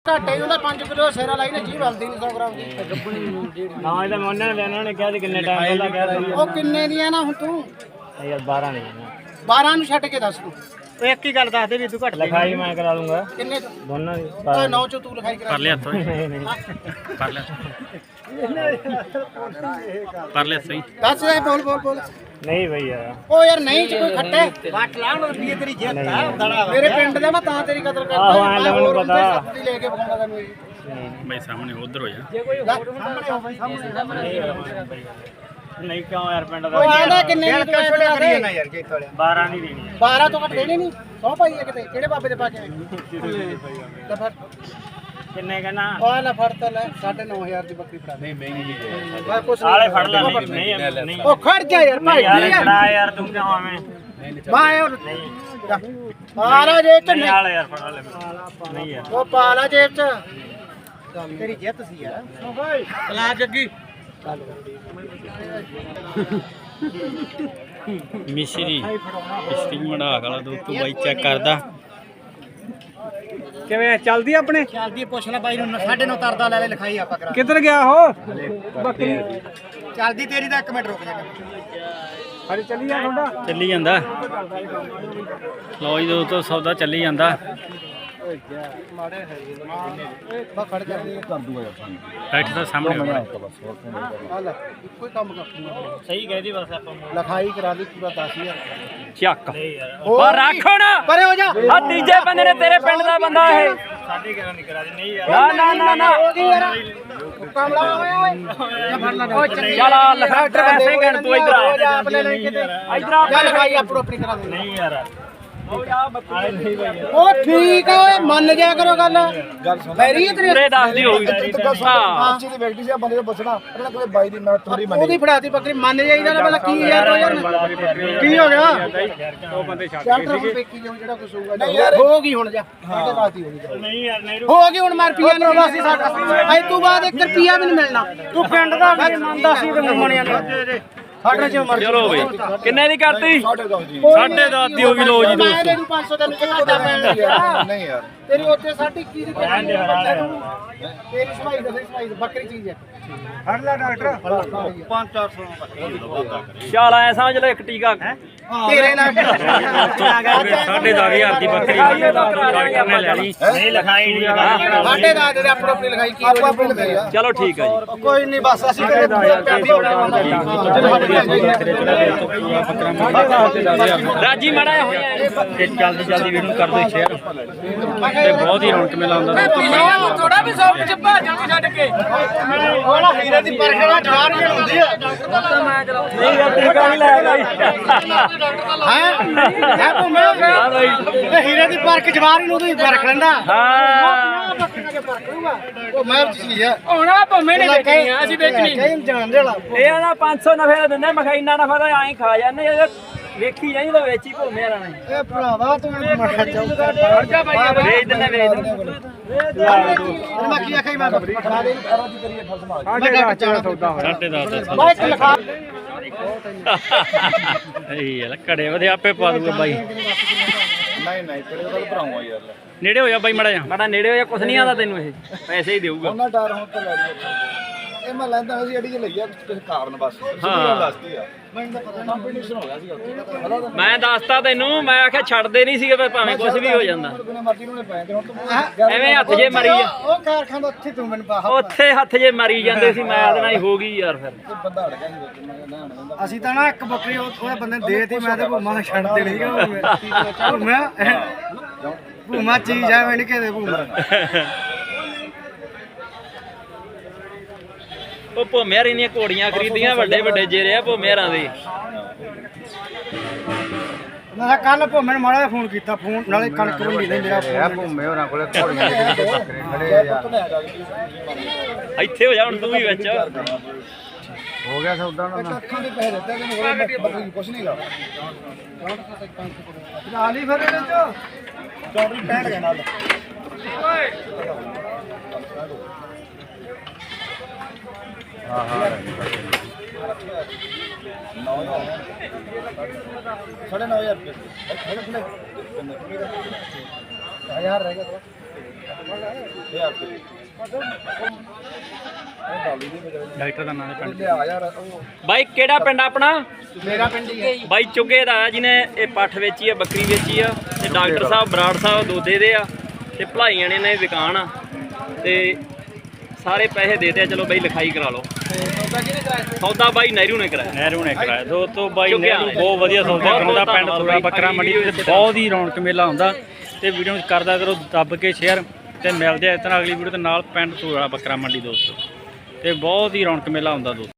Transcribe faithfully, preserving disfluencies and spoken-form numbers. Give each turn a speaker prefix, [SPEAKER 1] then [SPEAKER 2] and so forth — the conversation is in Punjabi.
[SPEAKER 1] ਘਾਟੇ ਹੀ ਹੁੰਦਾ ਪੰਜ ਕਿਲੋ ਸੇਰਾ ਲਾਈ ਨੇ ਜੀ ਬਲਦੀ ਨਹੀਂ ਸੌ ਗ੍ਰਾਮ ਦੀ
[SPEAKER 2] ਹਾਂ ਇਹਦਾ ਮੈਂ ਉਹਨਾਂ ਨੇ ਲੈਣਾ ਉਹਨੇ ਕਿਹਾ ਸੀ ਕਿੰਨੇ ਟਾਈਮ ਪਹਿਲਾਂ ਕਿਹਾ ਸੀ
[SPEAKER 1] ਉਹ ਕਿੰਨੇ ਦੀਆਂ ਨਾ ਹੁਣ ਤੂੰ
[SPEAKER 2] ਯਾਰ ਬਾਰਾਂ ਨਹੀਂ
[SPEAKER 1] ਬਾਰਾਂ ਨੂੰ ਛੱਡ ਕੇ ਦੱਸ ਤੂੰ
[SPEAKER 2] ਉਹ ਇੱਕ ਹੀ ਗੱਲ ਦੱਸ ਦੇ ਵੀ ਤੂੰ ਘੱਟ ਲਿਖਾਈ ਮੈਂ ਕਰਾ ਦੂੰਗਾ
[SPEAKER 1] ਕਿੰਨੇ
[SPEAKER 2] ਦੋਨਾਂ ਦੀ
[SPEAKER 1] ਓਏ ਨੌ ਚੋਂ ਤੂੰ ਲਿਖਾਈ ਕਰਾ
[SPEAKER 3] ਕਰ ਲਿਆ ਹੱਥੋਂ ਕਰ ਲਿਆ ਕਰ ਲਿਆ ਸਹੀ
[SPEAKER 1] ਦੱਸ ਦੇ ਬੋਲ ਬੋਲ ਬੋਲ
[SPEAKER 2] ਨਹੀਂ ਬਈ ਯਾਰ
[SPEAKER 1] ਉਹ ਯਾਰ ਨਹੀਂ ਚ ਕੋਈ ਖੱਟੇ ਵੱਟ ਲਾਉਣ ਰੁਪਈਏ ਤੇਰੀ ਜਿੱਤ ਆ ਦੜਾ ਮੇਰੇ ਪਿੰਡ ਦਾ ਮੈਂ ਤਾਂ ਤੇਰੀ ਕਦਰ ਕਰਦਾ
[SPEAKER 2] ਆਹੋ ਐਂ ਤਾਂ ਮੈਨੂੰ ਪਤਾ
[SPEAKER 1] ਸੱਤੀ ਲੈ ਕੇ ਬਖਾਉਂਦਾ ਤੈਨੂੰ ਇਹ
[SPEAKER 3] ਬਈ ਸਾਹਮਣੇ ਉਧਰ ਹੋ ਜਾ
[SPEAKER 2] ਨਹੀਂ ਕਿਉਂ ਯਾਰ ਪਿੰਡ ਦਾ
[SPEAKER 1] ਉਹ ਆਂਦਾ ਕਿੰਨੇ ਦੀ ਤੂੰ ਐ ਕਰੀ ਨਾ
[SPEAKER 2] ਯਾਰ ਬਾਰਾਂ ਨਹੀਂ ਦੇਣੀ
[SPEAKER 1] ਬਾਰਾਂ ਤੋਂ ਘੱਟ ਦੇਣੇ ਨਹੀਂ ਸੌ ਪਾਈ ਹੈ ਕਿਤੇ ਕਿਹੜੇ ਬਾਬੇ ਦੇ ਪਾ ਕੇ ਆਏ ਲੈ ਫੜ
[SPEAKER 2] ਕਿੰਨੇ ਕਹਿਣਾ
[SPEAKER 1] ਉਹ ਲੈ ਫੜ ਤਾਂ ਲੈ ਸਾਢੇ ਨੌ ਹਜ਼ਾਰ ਦੀ ਬੱਕਰੀ ਫੜਾ ਨਹੀਂ ਮਹਿੰਗੀ ਹੈ ਕੁਛ
[SPEAKER 2] ਆਲੇ ਫੜ ਲੈ ਨਹੀਂ ਨਹੀਂ
[SPEAKER 1] ਉਹ ਖੜ ਜਾ ਯਾਰ ਭਾਈ
[SPEAKER 2] ਯਾਰ ਖੜਾ ਯਾਰ ਤੂੰ ਕਿਉਂ ਆਵੇਂ
[SPEAKER 1] ਮੈਂ ਉਹ ਆਰਾ ਜੇਬ ਚ
[SPEAKER 2] ਨਹੀਂ
[SPEAKER 1] ਨਹੀਂ
[SPEAKER 2] ਆਲੇ ਯਾਰ ਫੜ ਲੈ ਨਹੀਂ ਯਾਰ
[SPEAKER 1] ਉਹ ਪਾ ਲਾ ਜੇਬ ਚ ਤੇਰੀ ਜਿੱਤ ਸੀ ਯਾਰ ਕਲਾ ਜੱਗੀ
[SPEAKER 3] ਮਿਸ਼ਰੀ ਮਿਸ਼ਰੀ ਮੜਾ ਕਾਲਾ ਦੋ ਤੂੰ ਬਾਈ ਚੈੱਕ ਕਰਦਾ
[SPEAKER 2] ਕਿਵੇਂ ਚੱਲਦੀ ਆਪਣੇ
[SPEAKER 1] ਚੱਲਦੀ ਪੁੱਛ ਲੈ ਬਾਈ ਨੂੰ ਸਾਢੇ ਨੌ ਤਰਦਾ ਲੈ ਲੈ ਲਿਖਾਈ ਆਪਾਂ ਕਰਾ
[SPEAKER 2] ਕਿੱਧਰ ਗਿਆ ਉਹ ਬੱਕਰੀ
[SPEAKER 1] ਚੱਲਦੀ ਤੇਰੀ ਦਾ ਇੱਕ ਮਿੰਟ ਰੁਕ ਜਾ
[SPEAKER 2] ਹਰੇ ਚੱਲੀ ਆ ਤੁਹਾਡਾ
[SPEAKER 3] ਚੱਲੀ ਜਾਂਦਾ ਲੋ ਜੀ ਦੋਸਤੋ ਸੌਦਾ ਚੱਲੀ ਜਾਂਦਾ
[SPEAKER 1] ਬਾ ਖੜ ਜਾ ਕਰ ਦੂਗਾ
[SPEAKER 3] ਬੈਠ ਤਾਂ ਸਾਹਮਣੇ ਹੋਣਾ
[SPEAKER 1] ਆ ਲੈ ਇੱਕੋ ਹੀ ਕੰਮ ਕਰ
[SPEAKER 2] ਸਹੀ ਕਹਿਦੀ ਬਸ ਆਪਾਂ
[SPEAKER 1] ਲਿਖਾਈ ਕਰਾ ਦੀ ਪੂਰਾ ਦਸ ਹਜ਼ਾਰ
[SPEAKER 3] ਚੱਕ
[SPEAKER 1] ਹੋਰ
[SPEAKER 3] ਉਹ ਰੱਖ ਹੁਣ
[SPEAKER 1] ਪਰੇ ਹੋ ਜਾ
[SPEAKER 3] ਆ ਤੀਜੇ ਬੰਦੇ ਨੇ ਤੇਰੇ ਪਿੰਡ ਦਾ ਬੰਦਾ ਇਹ
[SPEAKER 2] ਸਾਢੇ ਗਿਆਰਾਂ ਨਹੀਂ ਕਰਾ ਦੇ ਨਹੀਂ ਯਾਰ
[SPEAKER 3] ਨਾ ਨਾ ਨਾ ਨਾ
[SPEAKER 1] ਹੋ ਗਈ ਯਾਰ ਕਮਲਾ ਹੋਇਆ ਓਏ ਜਾ ਫੜ ਲੈ ਉਹ
[SPEAKER 3] ਚੱਲ ਆ ਲਿਖਾ ਪੈਸੇ ਗਣ ਤੂੰ ਇੱਧਰ ਆ
[SPEAKER 1] ਜਾ ਆਪ ਲੈ ਲੈ ਕਿਤੇ
[SPEAKER 3] ਇੱਧਰ ਆ
[SPEAKER 1] ਜਾ ਲਿਖਾਈ ਆਪੋ ਆਪਣੀ ਕਰਾ ਦੇ
[SPEAKER 2] ਨਹੀਂ ਯਾਰ ਆਲੇ ਨਹੀਂ ਬਈ
[SPEAKER 1] ਉਹ ਠੀਕ ਆ ਓਏ ਮੰਨ ਜਾ ਕਰੋ ਗੱਲ ਫੇਰੀ ਤੇਰੇ
[SPEAKER 3] ਪੂਰੇ ਦੱਸ ਦੀ ਹੋ ਗਈ ਹਾਂ
[SPEAKER 4] ਅੱਛੀ ਦੀ ਬੈਠੀ ਸੀ ਆ ਬੰਦੇ ਤੋਂ ਬਚਣਾ ਇਹਨਾਂ ਕੋਲੇ ਬਾਈ ਦੀ ਮੈਂ ਥੋੜੀ ਮੰਨੀ
[SPEAKER 1] ਉਹਦੀ ਫੜਾਤੀ ਬੱਕਰੀ ਮੰਨ ਜਾਈਦਾ ਨਾ ਪਹਿਲਾਂ ਕੀ ਯਾਰ ਦੋ ਯਾਰ ਕੀ ਹੋ ਗਿਆ
[SPEAKER 2] ਉਹ ਬੰਦੇ ਛੱਡ
[SPEAKER 1] ਚੱਲ ਟਰਮ ਪੇਕੀ ਜੋ ਜਿਹੜਾ ਕੁਝ ਹੋਊਗਾ ਹੋ ਗਈ ਹੁਣ ਜਾ ਸਾਡੇ ਵਾਸਤੇ ਹੋ ਗਈ
[SPEAKER 2] ਨਹੀਂ ਯਾਰ ਨਹੀਂ
[SPEAKER 1] ਹੋ ਗਈ ਹੁਣ ਮੈਂ ਰੁਪਿਆ ਨਹੀਂ ਵਾਸੀ ਸਾਡਾ ਅੱਜ ਤੋਂ ਬਾਅਦ ਇੱਕ ਰੁਪਿਆ ਵੀ ਨਹੀਂ ਮਿਲਣਾ
[SPEAKER 2] ਤੂੰ ਪਿੰਡ ਦਾ ਵੀ ਮੰਨਦਾ ਸੀ ਤੇ ਮੰਨਿਆ ਨਹੀਂ
[SPEAKER 1] ਸਾਡੇ ਚ ਮਰ
[SPEAKER 3] ਚਲੋ ਬਈ ਕਿੰਨੇ ਦੀ ਕਰਤੀ
[SPEAKER 4] ਸਾਡੇ ਦੋ ਜੀ
[SPEAKER 3] ਸਾਢੇ ਦਸ ਦੀ ਹੋ ਗਈ ਲੋ ਜੀ
[SPEAKER 1] ਮੈਂ
[SPEAKER 3] ਦੋਸਤੋ
[SPEAKER 1] ਤੈਨੂੰ ਪੰਜ ਸੌ ਤੈਨੂੰ ਕਿੰਨਾ ਪੈਣ ਯਾਰ
[SPEAKER 4] ਨਹੀਂ ਯਾਰ
[SPEAKER 1] ਤੇਰੀ ਉੱਤੇ ਸਾਢੇ ਇੱਕੀ ਦੀ ਪੈਣ ਤੇਰੀ ਸਵਾਈ ਦਾ ਸਵਾਈ ਬੱਕਰੀ ਚੀਜ਼ ਹੈ
[SPEAKER 2] ਫੜ ਲੈ ਡਾਕਟਰ
[SPEAKER 1] ਪੰਜ ਚਾਰ ਸੌ
[SPEAKER 3] ਚੱਲ ਐ ਸਮਝ ਲੈ ਇੱਕ ਟੀਕਾ
[SPEAKER 1] ਤੇਰੇ ਨਾਲ
[SPEAKER 3] ਸਾਢੇ ਦਸ ਹਜ਼ਾਰ ਦੀ ਬੱਕਰੀ ਡਾਕਟਰ ਨੇ ਲੈ ਲਈ
[SPEAKER 2] ਨਹੀਂ ਲਿਖਾਈ ਨਹੀਂ ਲਗਾਈ
[SPEAKER 1] ਸਾਡੇ ਦਾ ਦੇ ਆਪੋ ਆਪਣੀ ਲਗਾਈ ਕੀ
[SPEAKER 4] ਆਪਾਂ ਆਪਣੇ ਲਗਾਈ ਆ
[SPEAKER 3] ਚਲੋ ਠੀਕ ਹੈ ਜੀ
[SPEAKER 1] ਕੋਈ ਨਹੀਂ ਬਸ ਅਸੀਂ ਕਿਹੜੇ ਪੈਸੇ
[SPEAKER 3] ਰਾਜੀ ਮਾੜਾ ਹੋਇਆ
[SPEAKER 2] ਇਹ ਜਲਦੀ ਜਲਦੀ ਵੀਡੀਓ ਕਰ ਦੋ ਸ਼ੇਅਰ
[SPEAKER 3] ਤੇ ਬਹੁਤ ਹੀ ਰੌਣਕ ਮੇਲਾ ਹੁੰਦਾ
[SPEAKER 1] ਥੋੜਾ ਵੀ ਸੌ ਚ ਭਾਜਣ ਛੱਡ ਕੇ ਉਹਦਾ ਹੀਰੇ ਦੀ ਪਰਖਣਾ ਚਾਰ ਜਣ ਹੁੰਦੀ ਆ
[SPEAKER 3] ਨਹੀਂ ਯਾਰ ਟੀਕਾ ਨਹੀਂ ਲਾਇਆ
[SPEAKER 1] ਹੈ ਹੈ ਭੂਮੇ ਇਹ ਹੀਰੇ ਦੀ ਪਰਖ ਜਵਾਰ ਨੂੰ ਉਹਦੀ ਪਰਖ ਲੈਂਦਾ
[SPEAKER 3] ਹਾਂ
[SPEAKER 1] ਉਹ ਮੈਂ ਚੀਜ਼ ਆ ਹੋਣਾ ਭੂਮੇ ਨੇ ਵੇਚਣੀ ਆ ਅਸੀਂ ਵੇਚਣੀ ਨਹੀਂ ਜਾਣ ਦੇਲਾ
[SPEAKER 3] ਇਹ ਆਦਾ ਪੰਜ ਸੌ ਨਫੇ ਦਾ ਦਿੰਦਾ ਮੈਂ ਕਿਹਾ ਇੰਨਾ ਨਫਾ ਤਾਂ ਐਂ ਖਾ ਜਾਂਦੇ ਇਹ ਵੇਖੀ ਜਾਈ ਤਾਂ ਵੇਚੀ ਭੂਮੇ ਵਾਲਾ ਨੇ
[SPEAKER 1] ਇਹ ਭਰਾਵਾ ਤੂੰ ਮੱਖਾ ਚਾਹ
[SPEAKER 3] ਵੇਚ ਦਿੰਦੇ ਵੇਚ ਦਿੰਦੇ
[SPEAKER 1] ਮੈਂ ਕੀ ਆਖਾਈ ਮੈਂ ਫੜਾ ਦੇ ਅਰੋ ਦੀ ਕਰੀਏ ਫਸ ਮਾਰ
[SPEAKER 2] ਸਾਡੇ ਦਾ ਚਾਰ ਸੌਦਾ ਹੋਇਆ
[SPEAKER 3] ਸਾਢੇ ਦਸ
[SPEAKER 1] ਮੈਂ ਇੱਕ ਲਿਖਾ
[SPEAKER 3] ਇਹ ਯਾਰ ਘੜੇ ਵਧੇ ਆਪੇ ਪਾ ਦੂਗਾ ਬਾਈ
[SPEAKER 4] ਨਹੀਂ ਨਹੀਂ ਤੇਰੇ ਕੋਲ ਭਰਾਉਂਗਾ ਯਾਰ
[SPEAKER 3] ਨੇੜੇ ਹੋ ਜਾ ਬਾਈ ਮੜਾ ਜਾ ਮੜਾ ਨੇੜੇ ਹੋ ਜਾ ਕੁਛ ਨਹੀਂ ਆਦਾ ਤੈਨੂੰ ਇਹ ਪੈਸੇ ਹੀ ਦੇਊਗਾ
[SPEAKER 4] ਉਹਨਾਂ ਡਰ ਹੁਣ ਤਾਂ ਲੈ ਲਿਆ ਇਹ ਮੈਂ ਲੈਂਦਾ ਸੀ ਅੜੀ ਚ ਲਈਆ ਕਿਸੇ ਕਾਰਨ ਬਸ
[SPEAKER 3] ਹਾਂ।
[SPEAKER 4] ਦੱਸਦੀ ਆ ਮੈਨੂੰ ਤਾਂ ਪਤਾ ਕੰਪੀਟੀਸ਼ਨ ਹੋ ਗਿਆ ਸੀ ਉੱਥੇ
[SPEAKER 3] ਮੈਂ ਦੱਸਤਾ ਤੈਨੂੰ ਮੈਂ ਆਖਿਆ ਛੱਡਦੇ ਨਹੀਂ ਸੀਗੇ ਵੀ ਭਾਵੇਂ ਕੁਛ ਵੀ ਹੋ ਜਾਂਦਾ
[SPEAKER 4] ਬਿਨਾਂ ਮਰਜ਼ੀ ਨੂੰ ਪੈ ਤੇ ਹੁਣ ਤੂੰ
[SPEAKER 3] ਐਵੇਂ ਹੱਥ ਜੇ ਮਰੀ ਜਾ
[SPEAKER 1] ਉਹ ਕਾਰਖਾਨਾ ਉੱਥੇ ਤੂੰ ਮੈਨੂੰ ਬਾਹਰ
[SPEAKER 3] ਉੱਥੇ ਹੱਥ ਜੇ ਮਰੀ ਜਾਂਦੇ ਸੀ ਮੈਂ ਉਹਦੇ ਨਾਲ ਹੀ ਹੋ ਗਈ ਯਾਰ ਫਿਰ
[SPEAKER 4] ਬੰਦਾ ਅੜ ਗਿਆ ਸੀ ਵਿੱਚ ਮੈਂ ਕਹਿੰਦਾ ਹਣ
[SPEAKER 1] ਅਸੀਂ ਤਾਂ ਨਾ ਇੱਕ ਬੱਕਰੀ ਉਹਦੇ ਬੰਦੇ ਨੇ ਦੇਤੀ ਮੈਂ ਤੇ ਭੂਮਾ ਛੱਡ ਤੇ ਨਹੀਂ ਗਿਆ ਭੂਮਾ ਭੂਮਾ ਚੀਜ਼ ਆ ਮੈਂ ਨਹੀਂ ਕਹਦੇ ਭੂਮਾ
[SPEAKER 3] ਉਹ ਭੋਮਿਆਰ ਇੰਨੀਆਂ ਘੋੜੀਆਂ ਖਰੀਦੀਆਂ ਵੱਡੇ ਵੱਡੇ ਜੇਰੇ ਆ ਭੋਮਿਆਰਾਂ ਦੇ
[SPEAKER 1] ਮੈਂ ਕੱਲ ਭੂਮੇ ਨੂੰ ਮਾੜਾ ਜਿਹਾ ਫੋਨ ਕੀਤਾ ਫੋਨ ਨਾਲੇ ਕਣਕ ਵੰਡੀ ਨੇ ਮੇਰਾ ਫੋਨ
[SPEAKER 4] ਭੂਮੇ ਹੋਰਾਂ ਕੋਲੇ ਘੋੜੀਆਂ ਦੇ ਬੱਕਰੇ ਖੜੇ ਯਾਰ
[SPEAKER 3] ਇੱਥੇ ਹੋ ਜਾ ਹੁਣ ਤੂੰ ਵੀ ਵਿੱਚ
[SPEAKER 4] ਹੋ ਗਿਆ ਸੌਦਾ ਨਾ ਅੱਖਾਂ ਦੇ ਪੈਸੇ ਦਿੱਤੇ ਤੈਨੂੰ ਹੋਰ ਬੱਕਰੀ ਕੁਛ ਨਹੀਂ ਲਾ
[SPEAKER 1] ਨਾਲ ਹੀ ਫਿਰ ਇਹਦੇ ਚ
[SPEAKER 4] ਚੌਧਰੀ ਪੈਣ ਗਿਆ ਨਾਲ ਹਾਂ ਹਾਂ साढ़े नौ हजार रुपये
[SPEAKER 1] ਹਜ਼ਾਰ ਰਹਿ ਗਿਆ
[SPEAKER 2] ਡਾਕਟਰ ਦਾ ਨਾਮ ਹੈ
[SPEAKER 4] ਲਿਆ ਯਾਰ ਉਹ
[SPEAKER 3] ਬਾਈ ਕਿਹੜਾ ਪਿੰਡ ਆਪਣਾ?
[SPEAKER 4] ਮੇਰਾ ਪਿੰਡ ਹੀ ਹੈ
[SPEAKER 3] ਬਾਈ ਚੁੱਗੇ ਦਾ ਆ ਜਿਹਨੇ ਇਹ ਪੱਠ ਵੇਚੀ ਆ, ਬੱਕਰੀ ਵੇਚੀ ਆ, ਤੇ ਡਾਕਟਰ ਸਾਹਿਬ ਬਰਾੜ ਸਾਹਿਬ ਦੋਦੇ ਦੇ ਆ, ਤੇ ਭਲਾਈਆਂ ਨੇ ਨੇ ਵਿਕਾਣ ਆ, ਤੇ ਸਾਰੇ ਪੈਸੇ ਦੇਤੇ ਆ। ਚਲੋ ਬਾਈ ਲਿਖਾਈ ਕਰਾ ਲਓ। ਸੌਦਾ ਬਾਈ ਨਹਿਰੂ ਨੇ ਕਰਾਇਆ।
[SPEAKER 2] ਨਹਿਰੂ ਨੇ ਕਰਾਇਆ ਦੋਸਤੋ। ਬਾਈ
[SPEAKER 3] ਚੁੱਗਿਆ
[SPEAKER 2] ਨਹਿਰੂ ਬਹੁਤ ਵਧੀਆ ਸੌਦਾ
[SPEAKER 3] ਬਹੁਤ
[SPEAKER 2] ਕਰਾਉਂਦਾ। ਪਿੰਡ
[SPEAKER 3] ਧੰਨਵਾਦ
[SPEAKER 2] ਸੂਰਾ
[SPEAKER 3] ਬਾਈ।
[SPEAKER 2] ਬੱਕਰਾ ਮੰਡੀ ਤੇ ਬਹੁਤ ਹੀ ਰੌਣਕ ਮੇਲਾ ਹੁੰਦਾ, ਤੇ ਵੀਡੀਓ ਨੂੰ ਕਰਦਾ ਕਰੋ ਦੱਬ ਕੇ ਸ਼ੇਅਰ, ਤੇ ਮਿਲਦੇ ਆ ਇਸ ਤਰ੍ਹਾਂ ਅਗਲੀ ਵੀਡੀਓ ਦੇ ਨਾਲ। ਪਿੰਡ ਸੂਰਾ ਬੱਕਰਾ ਮੰਡੀ ਦੋਸਤੋ, ਤੇ ਬਹੁਤ ਹੀ ਰੌਣਕ ਮੇਲਾ ਹੁੰਦਾ ਦੋਸਤੋ।